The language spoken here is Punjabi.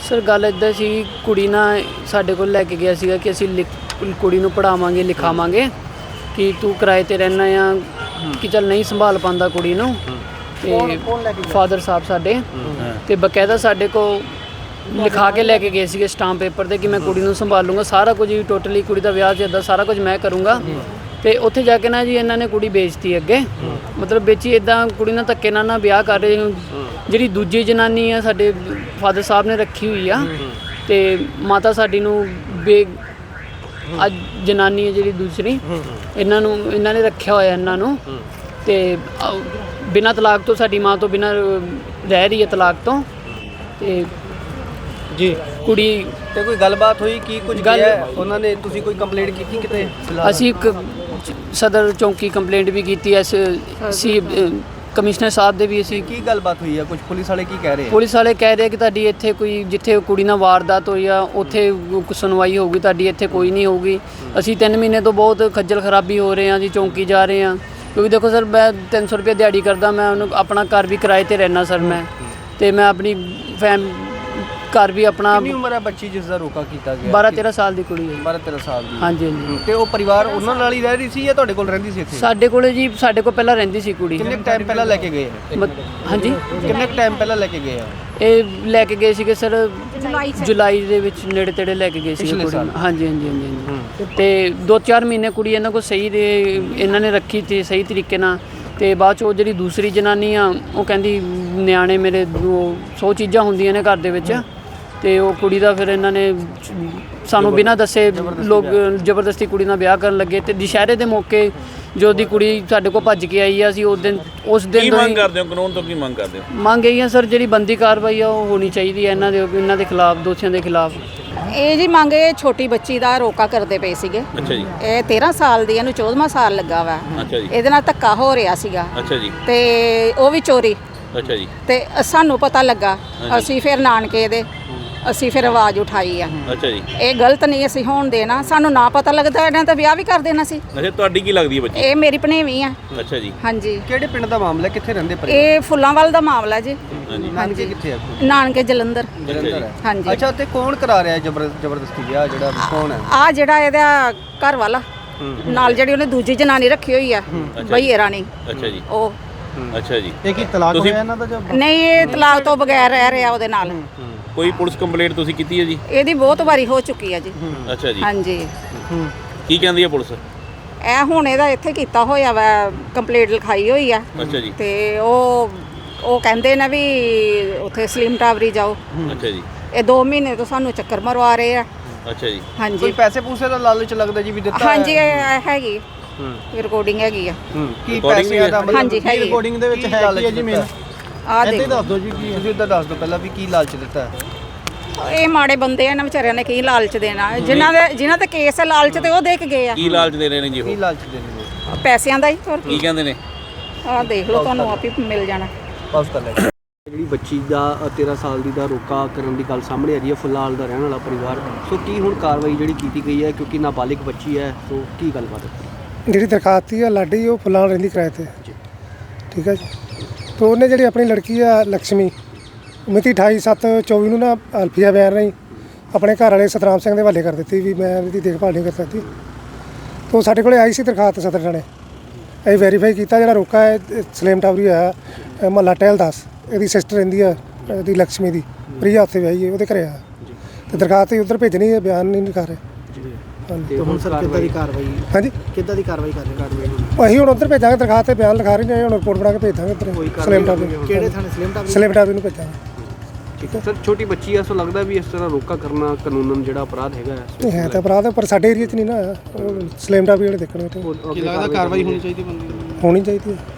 ਸਰ ਗੱਲ ਇੱਦਾਂ ਸੀ, ਕੁੜੀ ਨਾ ਸਾਡੇ ਕੋਲ ਲੈ ਕੇ ਗਿਆ ਸੀਗਾ ਕਿ ਅਸੀਂ ਕੁੜੀ ਨੂੰ ਪੜ੍ਹਾਵਾਂਗੇ ਲਿਖਾਵਾਂਗੇ ਕਿ ਤੂੰ ਕਿਰਾਏ 'ਤੇ ਰਹਿਣਾ ਆ ਕਿ ਚੱਲ ਨਹੀਂ ਸੰਭਾਲ ਪਾਉਂਦਾ ਕੁੜੀ ਨੂੰ। ਤੇ ਫਾਦਰ ਸਾਹਿਬ ਸਾਡੇ ਤੇ ਬਕਾਇਦਾ ਸਾਡੇ ਕੋਲ ਲਿਖਾ ਕੇ ਲੈ ਕੇ ਗਏ ਸੀਗੇ ਸਟਾਂਪ ਪੇਪਰ 'ਤੇ ਕਿ ਮੈਂ ਕੁੜੀ ਨੂੰ ਸੰਭਾਲੂੰਗਾ, ਸਾਰਾ ਕੁਝ ਹੀ ਟੋਟਲੀ ਕੁੜੀ ਦਾ ਵਿਆਹ ਜਿੱਦਾਂ ਸਾਰਾ ਕੁਝ ਮੈਂ ਕਰੂੰਗਾ। ਤੇ ਉੱਥੇ ਜਾ ਕੇ ਨਾ ਜੀ ਇਹਨਾਂ ਨੇ ਕੁੜੀ ਵੇਚਤੀ ਅੱਗੇ, ਮਤਲਬ ਵੇਚੀ ਇੱਦਾਂ ਕੁੜੀ ਨਾਲ ਧੱਕੇ ਨਾਲ ਵਿਆਹ ਕਰ ਰਹੇ। ਜਿਹੜੀ ਦੂਜੀ ਜਨਾਨੀ ਆ ਸਾਡੇ ਫਾਦਰ ਸਾਹਿਬ ਨੇ ਰੱਖੀ ਹੋਈ ਆ ਤੇ ਮਾਤਾ ਸਾਡੀ ਨੂੰ ਅੱਜ ਜਨਾਨੀ ਹੈ ਜਿਹੜੀ ਦੂਸਰੀ, ਇਹਨਾਂ ਨੇ ਰੱਖਿਆ ਹੋਇਆ ਇਹਨਾਂ ਨੂੰ। ਤੇ ਬਿਨਾਂ ਤਲਾਕ ਤੋਂ ਸਾਡੀ ਮਾਂ ਤੋਂ ਬਿਨਾਂ ਰਹਿ ਰਹੀ ਹੈ ਤਲਾਕ ਤੋਂ। ਤੇ ਜੀ ਕੁੜੀ ਤੇ ਕੋਈ ਗੱਲਬਾਤ ਹੋਈ ਕੀ ਕੁਝ ਗਿਆ ਉਹਨਾਂ ਨੇ? ਤੁਸੀਂ ਕੋਈ ਕੰਪਲੇਂਟ ਕੀਤੀ ਕਿਤੇ? ਅਸੀਂ ਇੱਕ ਸਦਰ ਚੌਂਕੀ ਕੰਪਲੇਂਟ ਵੀ ਕੀਤੀ ਐ, ਸੀ ਕਮਿਸ਼ਨਰ ਸਾਹਿਬ ਦੇ ਵੀ। ਅਸੀਂ ਕੀ ਗੱਲਬਾਤ ਹੋਈ ਆ? ਕੁਝ ਪੁਲਿਸ ਵਾਲੇ ਕੀ ਕਹਿ ਰਹੇ ਆ? ਪੁਲਿਸ ਵਾਲੇ ਕਹਿ ਰਹੇ ਕਿ ਤੁਹਾਡੀ ਇੱਥੇ ਕੋਈ ਜਿੱਥੇ ਕੁੜੀ ਨਾਲ ਵਾਰਦਾਤ ਹੋਈ ਆ ਉੱਥੇ ਸੁਣਵਾਈ ਹੋਊਗੀ, ਤੁਹਾਡੀ ਇੱਥੇ ਕੋਈ ਨਹੀਂ ਹੋਊਗੀ। ਅਸੀਂ 3 ਮਹੀਨੇ ਤੋਂ ਬਹੁਤ ਖੱਜਲ ਖਰਾਬੀ ਹੋ ਰਹੇ ਹਾਂ ਜੀ, ਚੌਂਕੀ ਜਾ ਰਹੇ ਹਾਂ। ਕਿਉਂਕਿ ਦੇਖੋ ਸਰ, ਮੈਂ 300 ਰੁਪਏ ਦਿਹਾੜੀ ਕਰਦਾ, ਮੈਂ ਉਹਨੂੰ ਆਪਣਾ ਘਰ ਵੀ ਕਿਰਾਏ 'ਤੇ ਰਹਿਣਾ ਸਰ ਮੈਂ, ਤੇ ਮੈਂ ਆਪਣੀ ਘਰ ਵੀ ਆਪਣਾ। ਕਿੰਨੀ ਉਮਰ ਹੈ ਬੱਚੀ ਜਿਸ ਦਾ ਰੋਕਾ ਕੀਤਾ ਗਿਆ? 12-13 ਸਾਲ ਦੀ ਕੁੜੀ ਹੈ। 12-13 ਸਾਲ ਦੀ? ਹਾਂਜੀ ਹਾਂਜੀ। ਤੇ ਉਹ ਪਰਿਵਾਰ ਉਹਨਾਂ ਨਾਲ ਹੀ ਰਹਿ ਰਹੀ ਸੀ ਜਾਂ ਤੁਹਾਡੇ ਕੋਲ ਰਹਿੰਦੀ ਸੀ ਇੱਥੇ? ਸਾਡੇ ਕੋਲੇ ਜੀ, ਸਾਡੇ ਕੋਲ ਪਹਿਲਾਂ ਰਹਿੰਦੀ ਸੀ ਕੁੜੀ। ਕਿੰਨੇ ਟਾਈਮ ਪਹਿਲਾਂ ਲੈ ਕੇ ਗਏ? ਹਾਂਜੀ, ਕਿੰਨੇ ਟਾਈਮ ਪਹਿਲਾਂ ਲੈ ਕੇ ਗਏ ਆ? ਇਹ ਲੈ ਕੇ ਗਏ ਸੀਗੇ ਸਰ ਜੁਲਾਈ ਦੇ ਵਿੱਚ, ਨੇੜੇ ਤੇੜੇ ਲੈ ਕੇ ਗਏ ਸੀਗੇ ਕੁੜੀ। ਹਾਂਜੀ ਹਾਂਜੀ ਹਾਂਜੀ। ਤੇ 2-4 ਮਹੀਨੇ ਕੁੜੀ ਇਹਨਾਂ ਕੋਲ ਸਹੀ ਇਹਨਾਂ ਨੇ ਰੱਖੀ ਸੀ ਸਹੀ ਤਰੀਕੇ ਨਾਲ। ਤੇ ਬਾਅਦ 'ਚ ਉਹ ਜਿਹੜੀ ਦੂਸਰੀ ਜਨਾਨੀ ਆ ਉਹ ਕਹਿੰਦੀ ਨਿਆਣੇ ਮੇਰੇ 100 ਚੀਜ਼ਾਂ ਹੁੰਦੀਆਂ ਨੇ ਘਰ ਦੇ ਵਿੱਚ। ਤੇ ਉਹ ਕੁੜੀ ਦਾ ਫਿਰ ਇਹਨਾਂ ਨੇ ਸਾਨੂੰ ਬਿਨਾਂ ਦੱਸੇ ਲੋਕ ਜ਼ਬਰਦਸਤੀ ਕੁੜੀ ਨਾਲ ਵਿਆਹ ਕਰਨ ਲੱਗੇ। ਤੇ ਦੁਸ਼ਹਿਰੇ ਦੇ ਮੌਕੇ ਜੋ ਦੀ ਕੁੜੀ ਸਾਡੇ ਕੋਲ ਭੱਜ ਕੇ ਆਈ ਆ, ਅਸੀਂ ਉਸ ਦਿਨ ਕੀ ਮੰਗ ਕਰਦੇ ਹੋ? ਕਾਨੂੰਨ ਤੋਂ ਕੀ ਮੰਗ ਕਰਦੇ ਹੋ? ਮੰਗ ਇਹੀ ਆ ਸਰ, ਜਿਹੜੀ ਬੰਦੀ ਕਾਰਵਾਈ ਆ ਉਹ ਹੋਣੀ ਚਾਹੀਦੀ ਹੈ ਇਹਨਾਂ ਦੇ ਖਿਲਾਫ, ਦੋਸ਼ੀਆਂ ਦੇ ਖਿਲਾਫ। ਇਹ ਜੀ ਮੰਗ ਇਹ ਛੋਟੀ ਬੱਚੀ ਦਾ ਰੋਕਾ ਕਰਦੇ ਪਏ ਸੀਗੇ। ਅੱਛਾ ਜੀ। ਇਹ 13 ਸਾਲ ਦੀ, ਇਹਨੂੰ 14ਵਾਂ ਸਾਲ ਲੱਗਾ ਵਾ। ਅੱਛਾ ਜੀ। ਇਹਦੇ ਨਾਲ ਧੱਕਾ ਹੋ ਰਿਹਾ ਸੀਗਾ। ਅੱਛਾ ਜੀ। ਤੇ ਉਹ ਵੀ ਚੋਰੀ। ਅੱਛਾ ਜੀ। ਤੇ ਸਾਨੂੰ ਪਤਾ ਲੱਗਾ, ਅਸੀਂ ਫਿਰ ਨਾਨਕੇ ਦੇ ਅਸੀਂ ਫਿਰ ਆਵਾਜ਼ ਉਠਾਈ ਆ। ਅੱਛਾ ਜੀ। ਇਹ ਗਲਤ ਨਹੀਂ ਅਸੀਂ ਹੋਣ ਦੇਣਾ, ਸਾਨੂੰ ਨਾ ਪਤਾ ਲੱਗਦਾ ਇਹਨਾਂ ਤਾਂ ਵਿਆਹ ਵੀ ਕਰ ਦੇਣਾ ਸੀ। ਅੱਛਾ, ਤੁਹਾਡੀ ਕੀ ਲੱਗਦੀ ਹੈ ਬੱਚੀ? ਇਹ ਮੇਰੀ ਭਣੇਵੀਂ ਆ। ਅੱਛਾ ਜੀ। ਹਾਂਜੀ। ਕਿਹੜੇ ਪਿੰਡ ਦਾ ਮਾਮਲਾ? ਕਿੱਥੇ ਰਹਿੰਦੇ ਪਰਿਵਾਰ? ਇਹ ਫੁੱਲਾਂਵਾਲ ਦਾ ਮਾਮਲਾ ਜੀ। ਹਾਂਜੀ। ਹਾਂਜੀ। ਕਿੱਥੇ ਆ? ਨਾਨਕੇ ਜਲੰਧਰ। ਜਲੰਧਰ ਹੈ। ਹਾਂਜੀ। ਅੱਛਾ, ਤੇ ਕੌਣ ਕਰਾ ਰਿਹਾ ਜ਼ਬਰਦਸਤੀ ਵਿਆਹ? ਜਿਹੜਾ ਕੌਣ ਹੈ? ਆ ਜਿਹੜਾ ਇਹਦਾ ਘਰ ਵਾਲਾ ਨਾਲ ਜਿਹੜੀ ਉਹਨੇ ਦੂਜੀ ਜਨਾਨੀ ਰੱਖੀ ਹੋਈ ਆ, ਬਈਏ ਰਾਣੀ। ਅੱਛਾ ਜੀ। ਉਹ ਅੱਛਾ ਜੀ। ਇਹ ਕੀ ਤਲਾਕ ਹੋਇਆ ਇਹਨਾਂ ਦਾ? ਨਹੀਂ, ਇਹ ਤਲਾਕ ਤੋਂ ਬਗੈਰ ਰਹਿ ਰਿਹਾ ਉਹਦੇ ਨਾਲ। ਕੋਈ ਪੁਲਿਸ ਕੰਪਲੇਂਟ ਤੁਸੀਂ ਕੀਤੀ ਹੈ ਜੀ? ਇਹਦੀ ਬਹੁਤ ਵਾਰੀ ਹੋ ਚੁੱਕੀ ਆ ਜੀ। ਅੱਛਾ ਜੀ। ਹਾਂਜੀ। ਕੀ ਕਹਿੰਦੀ ਹੈ ਪੁਲਿਸ? ਇਹ ਹੁਣ ਇਹਦਾ ਇੱਥੇ ਕੀਤਾ ਹੋਇਆ ਵਾ, ਕੰਪਲੇਂਟ ਲਿਖਾਈ ਹੋਈ ਆ। ਅੱਛਾ ਜੀ। ਤੇ ਉਹ ਕਹਿੰਦੇ ਨੇ ਵੀ ਉੱਥੇ ਸਲੀਮ ਟਾਵਰੀ ਜਾਓ। ਅੱਛਾ ਜੀ। ਇਹ 2 ਮਹੀਨੇ ਤੋਂ ਸਾਨੂੰ ਚੱਕਰ ਮਰਵਾ ਰਹੇ ਆ। ਅੱਛਾ ਜੀ। ਹਾਂਜੀ। ਕੋਈ ਪੈਸੇ ਪੂਸੇ ਦਾ ਲਾਲਚ ਲੱਗਦਾ ਜੀ ਵੀ ਦਿੱਤਾ? ਹਾਂਜੀ, ਇਹ ਹੈਗੀ ਰਿਕਾਰਡਿੰਗ ਹੈਗੀ ਆ। ਕੀ ਪੈਸੇ ਦਾ? ਹਾਂਜੀ, ਹੈਗੀ। ਰਿਕਾਰਡਿੰਗ ਦੇ ਵਿੱਚ ਹੈ ਕੀ ਜੀ? ਮੇਨ ਆ ਦੇਖ, ਦੱਸ ਦਿਓ ਜੀ, ਕੀ ਤੁਸੀਂ ਇੱਦਾਂ ਦੱਸ ਦਿਓ ਪਹਿਲਾਂ ਵੀ ਕੀ ਲਾਲਚ ਦਿੱਤਾ? ਇਹ ਮਾੜੇ ਬੰਦੇ ਆ, ਇਹਨਾਂ ਵਿਚਾਰਿਆਂ ਨੇ ਕੀ ਲਾਲਚ ਦੇਣਾ? ਜਿਨ੍ਹਾਂ ਤੇ ਕੇਸ ਹੈ ਲਾਲਚ ਤੇ ਉਹ ਦੇ ਕੇ ਗਏ ਆ। ਕੀ ਲਾਲਚ ਦੇ ਰਹੇ ਨੇ ਜੀ ਕੀ ਉਹ? ਲਾਲਚ ਦੇਣੇ? ਪੈਸਿਆਂ ਦਾ ਹੀ। ਹੋਰ ਕੀ ਕਹਿੰਦੇ ਨੇ? ਆਹ ਦੇਖ ਲਓ, ਤੁਹਾਨੂੰ ਆਪ ਹੀ ਮਿਲ ਜਾਣਾ। ਪਾਸ ਕਰ ਲੈ। ਜਿਹੜੀ ਬੱਚੀ ਦਾ 13 ਸਾਲ ਦੀ ਦਾ ਰੋਕਾ ਕਰਨ ਦੀ ਗੱਲ ਸਾਹਮਣੇ ਆ ਰਹੀ ਹੈ, ਫੁੱਲਾਲ ਦਾ ਰਹਿਣ ਵਾਲਾ ਪਰਿਵਾਰ। ਸੋ ਕੀ ਹੁਣ ਕਾਰਵਾਈ ਜਿਹੜੀ ਕੀਤੀ ਗਈ ਹੈ, ਕਿਉਂਕਿ ਨਾਬਾਲਿਗ ਬੱਚੀ ਹੈ, ਸੋ ਕੀ ਗੱਲਬਾਤ ਹੈ? ਜਿਹੜੀ ਦਰਖਾਸਤ ਆ ਲਾਡੀ, ਉਹ ਫੁੱਲਾਂ ਰਹਿੰਦੀ ਕਿਰਾਏ 'ਤੇ। ਠੀਕ ਹੈ ਜੀ। ਤਾਂ ਉਹਨੇ ਜਿਹੜੀ ਆਪਣੀ ਲੜਕੀ ਆ ਲਕਸ਼ਮੀ, ਮਿਤੀ 28/7/24 ਨੂੰ ਨਾ ਅਲਫੀਆ ਬਿਆਨ ਰਹੀ ਆਪਣੇ ਘਰ ਵਾਲੇ ਸਤਰਾਮ ਸਿੰਘ ਦੇ ਹਵਾਲੇ ਕਰ ਦਿੱਤੀ ਵੀ ਮੈਂ ਇਹਦੀ ਦੇਖਭਾਲ ਨਹੀਂ ਕਰ ਸਕਦੀ। ਤਾਂ ਸਾਡੇ ਕੋਲੇ ਆਈ ਸੀ ਦਰਖਾਸਤ ਸਦਰ ਥਾਣੇ। ਅਸੀਂ ਵੈਰੀਫਾਈ ਕੀਤਾ, ਜਿਹੜਾ ਰੋਕਾ ਹੈ ਸਲੇਮ ਟਾਵਰੀ ਆ ਮਹੱਲਾ ਟਹਿਲਦਾਸ, ਇਹਦੀ ਸਿਸਟਰ ਰਹਿੰਦੀ ਆ ਇਹਦੀ ਲਕਸ਼ਮੀ ਦੀ, ਪ੍ਰਿਆ ਉੱਥੇ ਵਿਆਹੀ ਹੈ, ਉਹਦੇ ਘਰੇ ਆ। ਤੇ ਦਰਖਾਸਤ ਉੱਧਰ ਭੇਜਣੀ ਹੈ, ਬਿਆਨ ਨਹੀਂ ਲਿਖਾ ਰਹੇ। ਤੇ ਹੁਣ ਸਰ ਕਿੱਦਾਂ ਦੀ ਕਾਰਵਾਈ? ਹਾਂਜੀ, ਕਿੱਦਾਂ ਦੀ ਕਾਰਵਾਈ ਕਰ ਰਹੇ? ਅਸੀਂ ਹੁਣ ਉੱਧਰ ਭੇਜਾਂਗੇ, ਦਰਖਾਸਤ 'ਤੇ ਬਿਆਨ ਲਿਖਾ ਰਹੇ ਨੇ, ਹੁਣ ਰਿਪੋਰਟ ਬਣਾ ਕੇ ਭੇਜ ਦਾਂਗੇ ਉੱਧਰ ਸਲੇਮ ਟਾਵਰੀ। ਕਿਹੜੇ ਥਾਣੇ? ਸਲੇਮ ਟਾਵਰੀ ਨੂੰ ਭੇਜਾਂਗੇ। ਠੀਕ ਹੈ ਸਰ। ਛੋਟੀ ਬੱਚੀ ਆ, ਸੋ ਲੱਗਦਾ ਵੀ ਇਸ ਤਰ੍ਹਾਂ ਰੋਕਾ ਕਰਨਾ ਕਾਨੂੰਨ ਜਿਹੜਾ ਅਪਰਾਧ ਹੈਗਾ? ਨਹੀਂ ਹੈ ਤਾਂ ਅਪਰਾਧ, ਪਰ ਸਾਡੇ ਏਰੀਆ 'ਚ ਨਹੀਂ ਨਾ, ਸਲੇਮ ਟਾਵਰੀ ਵਾਲੇ ਦੇਖਣੇ। ਕੀ ਲੱਗਦਾ ਕਾਰਵਾਈ ਹੋਣੀ ਚਾਹੀਦੀ ਬੰਦੀ? ਹੋਣੀ ਚਾਹੀਦੀ ਹੈ।